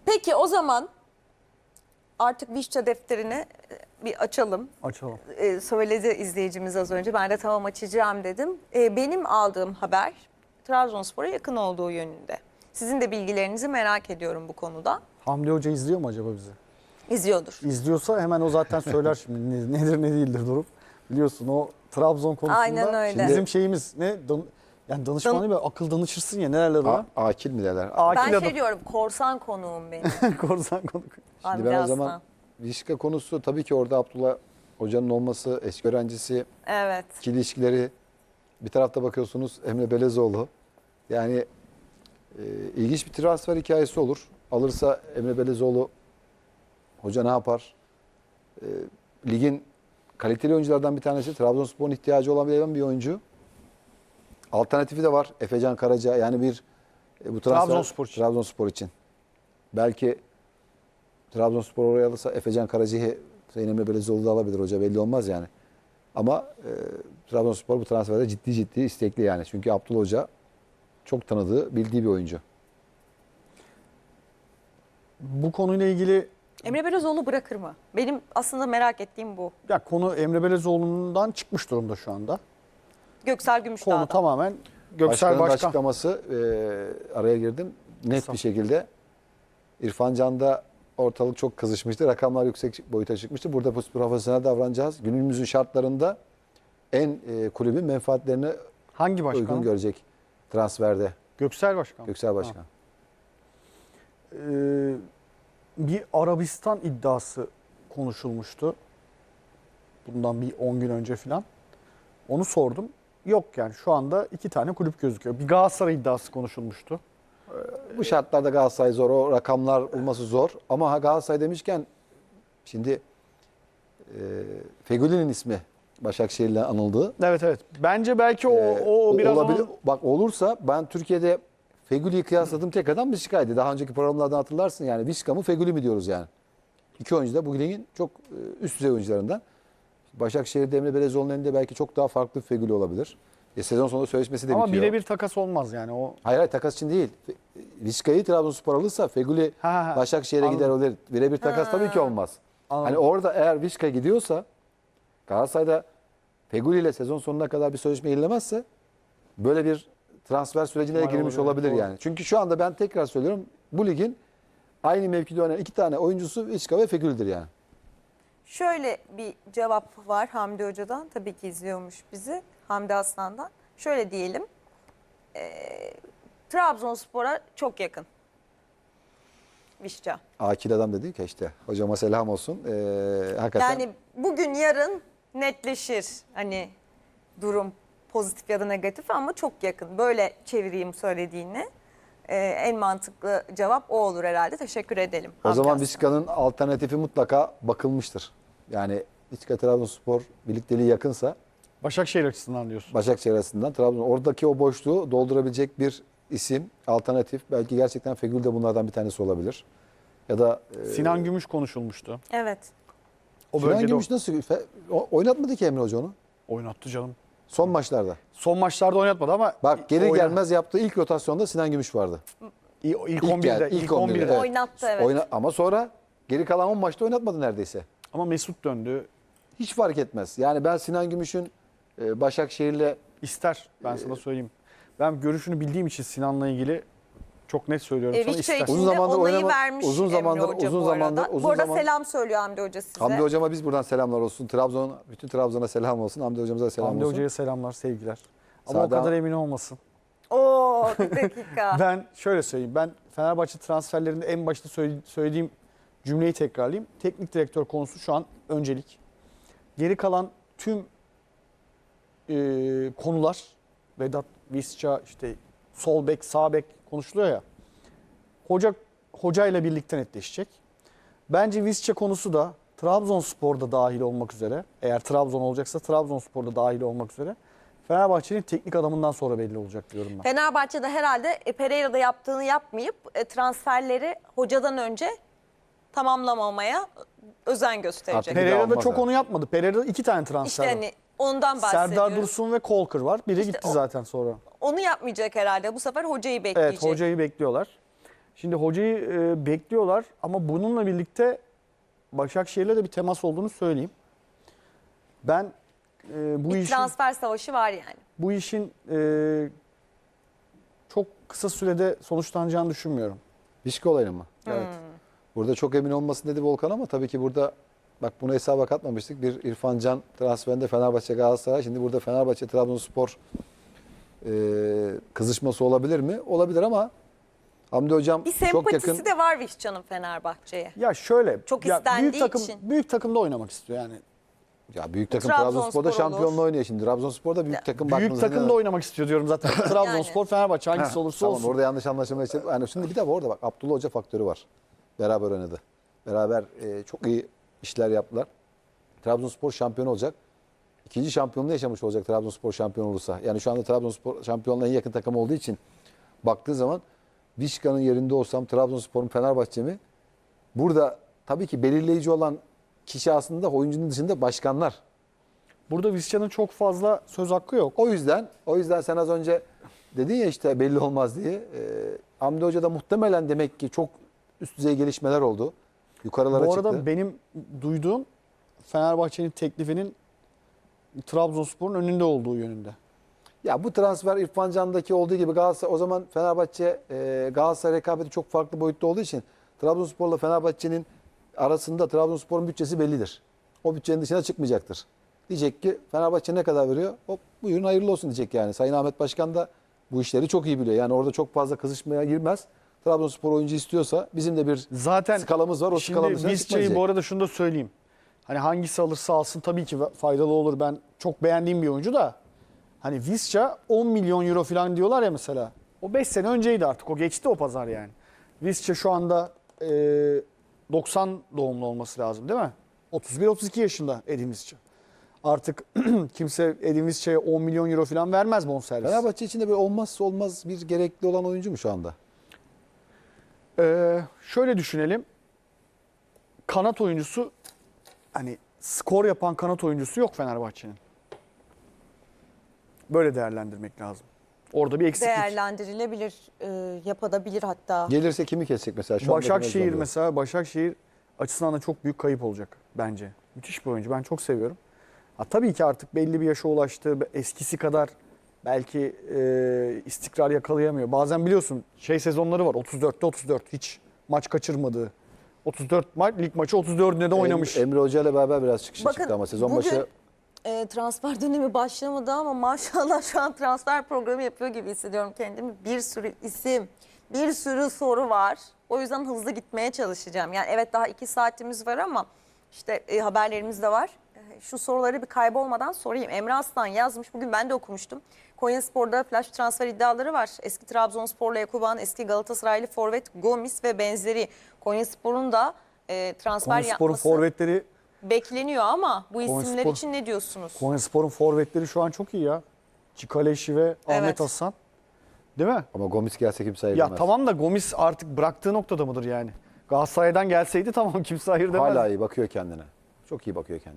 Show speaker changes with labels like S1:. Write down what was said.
S1: Peki o zaman artık Vişça defterini bir açalım.
S2: Açalım.
S1: Söyledi izleyicimiz az önce. Ben de tamam açacağım dedim. Benim aldığım haber Trabzonspor'a yakın olduğu yönünde. Sizin de bilgilerinizi merak ediyorum bu konuda.
S2: Hamdi Hoca izliyor mu acaba bizi?
S1: İzliyordur.
S2: İzliyorsa hemen o zaten söyler şimdi nedir ne değildir durum. Biliyorsun o Trabzon konusunda
S1: Aynen öyle.
S2: bizim şeyimiz ne? Yani danışmanı böyle akıl danışırsın ya nelerler o?
S3: Akil mi derler?
S2: Akil
S1: Ben
S2: adam.
S1: diyorum korsan konuğum benim.
S2: Korsan konuk.
S3: Şimdi
S1: Hamdi
S3: ben o
S1: Aslan.
S3: zaman Vişka konusu tabii ki orada Abdullah Hoca'nın olması, eski öğrencisi,
S1: Evet.
S3: ikili ilişkileri. Bir tarafta bakıyorsunuz Emre Belezoğlu. Yani ilginç bir transfer hikayesi olur. Alırsa Emre Belezoğlu hoca ne yapar? Ligin kaliteli oyunculardan bir tanesi. Trabzonspor'un ihtiyacı olabilen bir oyuncu. Alternatifi de var. Efecan Karaca. Yani bir bu transfer Trabzonspor için. Belki Trabzonspor oraya alırsa Efecan Karaca'yı Sayın Emre Belezoğlu da alabilir hoca. Belli olmaz yani. Ama Trabzonspor bu transferde ciddi istekli yani. Çünkü Abdullah Hoca çok tanıdığı, bildiği bir oyuncu.
S2: Bu konuyla ilgili
S1: Emre Belözoğlu bırakır mı? Benim aslında merak ettiğim bu.
S2: ya konu Emre Belezoğlu'ndan çıkmış durumda şu anda.
S1: Göksel
S2: Konu
S1: Gümüşdağ'dan.
S2: tamamen Göksel
S3: Başkanın
S2: Başkan.
S3: açıklaması araya girdim. Net
S2: Kısa.
S3: bir şekilde İrfan Can'da ortalık çok kızışmıştı. Rakamlar yüksek boyuta çıkmıştı. Burada profesyonel davranacağız. Günümüzün şartlarında en kulübün menfaatlerini
S2: Hangi başkan?
S3: uygun görecek transferde.
S2: Göksel Başkan.
S3: Göksel Başkan.
S2: Bir Arabistan iddiası konuşulmuştu. Bundan bir 10 gün önce falan. Onu sordum. Yok yani şu anda 2 tane kulüp gözüküyor. Bir Galatasaray iddiası konuşulmuştu.
S3: Bu şartlarda Galatasaray zor. O rakamlar bulması zor. Ama Galatasaray demişken şimdi Fegüli'nin ismi Başakşehir'le anıldı.
S2: Evet. Bence belki o biraz
S3: olabilir.
S2: onun...
S3: Bak olursa ben Türkiye'de Fegüli'yi kıyasladığım tek adam Vişka'ydı. Daha önceki programlardan hatırlarsın yani. Vişka mı Fegüli mi diyoruz yani. İki oyuncu da bu ligin çok üst düzey oyuncularından. Başakşehir'de Emre Belezoğlu'nun elinde belki çok daha farklı bir Fegüli olabilir. Sezon sonunda sözleşmesi de
S2: Ama
S3: bitiyor.
S2: birebir takas olmaz yani o.
S3: Hayır takas için değil. Vişka'yı Trabzonspor alırsa Fegüli Başakşehir'e gider olur. Birebir takas tabii ki olmaz.
S2: Anladım.
S3: Hani orada eğer Vişka gidiyorsa Galatasaray'da Fegüli ile sezon sonuna kadar bir sözleşme yenilemezse böyle bir transfer sürecine
S2: İhtimal
S3: girmiş
S2: olabilir,
S3: olabilir
S2: doğru.
S3: yani. Çünkü şu anda ben tekrar söylüyorum bu ligin aynı mevkide oynayan 2 tane oyuncusu Vişka ve Fegüli'dir yani.
S1: Şöyle bir cevap var Hamdi Hoca'dan. Tabii ki izliyormuş bizi. Hamdi Aslan'dan. Şöyle diyelim. Trabzonspor'a çok yakın. Vişça.
S3: Akil adam dedi ki işte hocama selam olsun. Hakikaten
S1: Yani bugün yarın netleşir. Hani durum pozitif ya da negatif ama çok yakın. Böyle çevireyim söylediğini. En mantıklı cevap o olur herhalde. Teşekkür edelim.
S3: o
S1: Hamdi
S3: zaman
S1: Aslan.
S3: Vişka'nın alternatifi mutlaka bakılmıştır. Yani Vişka Trabzonspor birlikteliği yakınsa
S2: Başakşehir açısından diyorsun.
S3: Başakşehir arasından Trabzon oradaki o boşluğu doldurabilecek bir isim, alternatif. Belki gerçekten Fegül de bunlardan bir tanesi olabilir. Ya da
S2: Sinan Gümüş konuşulmuştu.
S1: Evet.
S2: O
S3: Sinan
S2: bölgede
S3: Gümüş nasıl oynatmadı ki Emre Hoca onu?
S2: oynattı canım.
S3: Son maçlarda.
S2: Son maçlarda oynatmadı ama
S3: Bak gelir gelmez yaptığı ilk rotasyonda Sinan Gümüş vardı.
S2: ilk 11'de
S3: ilk 11'de. Evet.
S1: Oynattı evet.
S3: Ama sonra geri kalan 10 maçta oynatmadı neredeyse.
S2: ama Mesut döndü.
S3: Hiç fark etmez. Yani ben Sinan Gümüş'ün Başakşehir'le
S2: İster ben sana söyleyeyim. Ben görüşünü bildiğim için Sinan'la ilgili çok net söylüyorum sana
S1: Vişça
S2: ister.
S1: için
S3: Uzun
S1: de
S3: zamandır
S1: onayı
S3: oynama-
S1: vermiş
S3: uzun
S1: Emre
S3: zamandır-
S1: Hoca
S3: uzun
S1: bu arada.
S3: zamandır- uzun
S1: Bu arada
S3: zaman-
S1: selam söylüyor Hamdi Hoca size.
S3: Hamdi Hocama biz buradan selamlar olsun. bütün Trabzon'a selam olsun. Hamdi Hocamıza da selam
S2: Hamdi
S3: olsun.
S2: Hoca'ya selamlar, sevgiler. Ama
S3: Sağdan-
S2: o kadar emin olmasın.
S1: Oo bir dakika.
S2: Ben şöyle söyleyeyim. Ben Fenerbahçe transferlerinde en başta söylediğim cümleyi tekrarlayayım. Teknik direktör konusu şu an öncelik. Geri kalan tüm konular Vedat, Visca, işte sol bek, sağ bek konuşuluyor ya. Hocayla birlikte netleşecek. Bence Visca konusu da Trabzonspor'da dahil olmak üzere, eğer Trabzon olacaksa Trabzonspor'da dahil olmak üzere Fenerbahçe'nin teknik adamından sonra belli olacak diyorum ben.
S1: Fenerbahçe'de herhalde Pereira'da yaptığını yapmayıp transferleri hocadan önce tamamlamamaya özen gösterecek.
S3: Artık- Bir de
S2: Pereira'da
S3: almaz
S2: çok
S3: ha.
S2: onu yapmadı. Pereira'da 2 tane transfer
S1: İşte
S2: var.
S1: hani ondan bahsediyorum.
S2: Serdar Dursun ve Kolkır var. Biri
S1: İşte
S2: gitti
S1: o-
S2: zaten sonra.
S1: Onu yapmayacak herhalde. Bu sefer hocayı bekleyecek.
S2: Evet, hocayı bekliyorlar. Şimdi hocayı bekliyorlar ama bununla birlikte Başakşehir'le de bir temas olduğunu söyleyeyim. Ben
S1: Bir transfer savaşı var yani.
S2: bu işin çok kısa sürede sonuçlanacağını düşünmüyorum.
S3: Vişka olayını mı?
S2: Evet.
S3: Burada çok emin olmasın dedi Volkan ama tabii ki burada bak bunu hesaba katmamıştık. Bir İrfan Can transferinde Fenerbahçe Galatasaray. Şimdi burada Fenerbahçe Trabzonspor kızışması olabilir mi? Olabilir ama Hamdi Hocam
S1: Bir
S3: çok
S1: sempatisi
S3: yakın.
S1: de var Vişcan'ın Fenerbahçe'ye.
S2: Ya şöyle,
S1: Çok
S2: ya
S1: istendiği için.
S2: büyük takımda oynamak istiyor yani.
S3: Ya büyük takım
S1: Trabzonspor
S3: Trabzonspor'da
S1: olur.
S3: şampiyonluğu oynuyor şimdi. Trabzonspor'da büyük takım
S2: Büyük
S3: baktığınızda
S2: takımda oynamak istiyor diyorum zaten. Trabzonspor, Fenerbahçe hangisi
S3: Heh,
S2: olursa
S3: tamam,
S2: olsun.
S3: orada yanlış anlaşılma için. Yani şimdi bir de orada bak Abdullah Hoca faktörü var. Beraber oynadı. Beraber çok iyi işler yaptılar. Trabzonspor şampiyon olacak. İkinci şampiyonluğu yaşamış olacak Trabzonspor şampiyon olursa. Yani şu anda Trabzonspor şampiyonluğa en yakın takım olduğu için baktığı zaman Vişka'nın yerinde olsam Trabzonspor'un Fenerbahçe mi? Burada tabii ki belirleyici olan kişi aslında oyuncunun dışında başkanlar.
S2: Burada Vizcan'ın çok fazla söz hakkı yok.
S3: O yüzden sen az önce dedin ya işte belli olmaz diye. Hamdi Hoca da muhtemelen demek ki çok üst düzey gelişmeler oldu. Yukarılara
S2: Bu
S3: çıktı.
S2: arada benim duyduğum Fenerbahçe'nin teklifinin Trabzonspor'un önünde olduğu yönünde.
S3: Ya bu transfer İrfan Can'daki olduğu gibi Galatasaray o zaman Fenerbahçe Galatasaray rekabeti çok farklı boyutta olduğu için Trabzonspor'la Fenerbahçe'nin arasında Trabzonspor'un bütçesi bellidir. O bütçenin dışına çıkmayacaktır. Diyecek ki Fenerbahçe ne kadar veriyor? Hop buyurun hayırlı olsun diyecek yani. Sayın Ahmet Başkan da bu işleri çok iyi biliyor. Yani orada çok fazla kızışmaya girmez. Trabzonspor oyuncu istiyorsa bizim de bir
S2: Zaten
S3: skalamız var. O
S2: şimdi
S3: skalanın dışına
S2: Vizca'yı
S3: çıkmayacak.
S2: bu arada şunu da söyleyeyim. Hani hangisi alırsa alsın tabii ki faydalı olur. Ben çok beğendiğim bir oyuncu da. Hani Vizca 10 milyon euro falan diyorlar ya mesela. O 5 sene önceydi artık. O geçti o pazar yani. Vizca şu anda 90 doğumlu olması lazım değil mi? 31-32 yaşında Edin Vizca. Artık kimse Edin Vizca'ya 10 milyon euro falan vermez bonservis.
S3: Fenerbahçe için de böyle olmazsa olmaz bir gerekli olan oyuncu mu şu anda?
S2: Şöyle düşünelim. Kanat oyuncusu hani skor yapan kanat oyuncusu yok Fenerbahçe'nin. Böyle değerlendirmek lazım. Orada bir eksiklik.
S1: Değerlendirilebilir, yapabilir hatta.
S3: Gelirse kimi kesecek mesela? Şu anda
S2: Başakşehir
S3: Fenerbahçe.
S2: mesela Başakşehir açısından da çok büyük kayıp olacak bence. Müthiş bir oyuncu. Ben çok seviyorum. Ha, tabii ki artık belli bir yaşa ulaştı. Eskisi kadar belki istikrar yakalayamıyor. Bazen biliyorsun sezonları var. 34'te 34 hiç maç kaçırmadığı. 34 maç lig maçı 34'üne de oynamış.
S3: Emre Hoca ile beraber biraz çıkışa
S1: Bakın,
S3: çıktı ama sezon
S1: bugün,
S3: başı
S1: transfer dönemi başlamadı ama maşallah şu an transfer programı yapıyor gibi hissediyorum kendimi. Bir sürü isim, bir sürü soru var. O yüzden hızlı gitmeye çalışacağım. Yani evet daha 2 saatimiz var ama işte haberlerimiz de var. Şu soruları bir kaybolmadan sorayım. Emre Aslan yazmış. Bugün ben de okumuştum. Konyaspor'da flash transfer iddiaları var. Eski Trabzonsporlu Ekuban, eski Galatasaraylı forvet Gomis ve benzeri. Konyaspor'un da transfer
S2: Konyaspor'un
S1: yapması
S2: forvetleri
S1: bekleniyor ama bu isimler
S2: Konyaspor-
S1: için ne diyorsunuz?
S2: Konyaspor'un forvetleri şu an çok iyi ya. Çikaleşi ve Ahmet
S1: Evet.
S2: Hasan. Değil mi?
S3: ama Gomis gelse kimse
S2: Ya
S3: ayırmaz.
S2: tamam da Gomis artık bıraktığı noktada mıdır yani? Galatasaray'dan gelseydi tamam kimse hayır demez.
S3: Hala iyi bakıyor kendine. Çok iyi bakıyor kendine.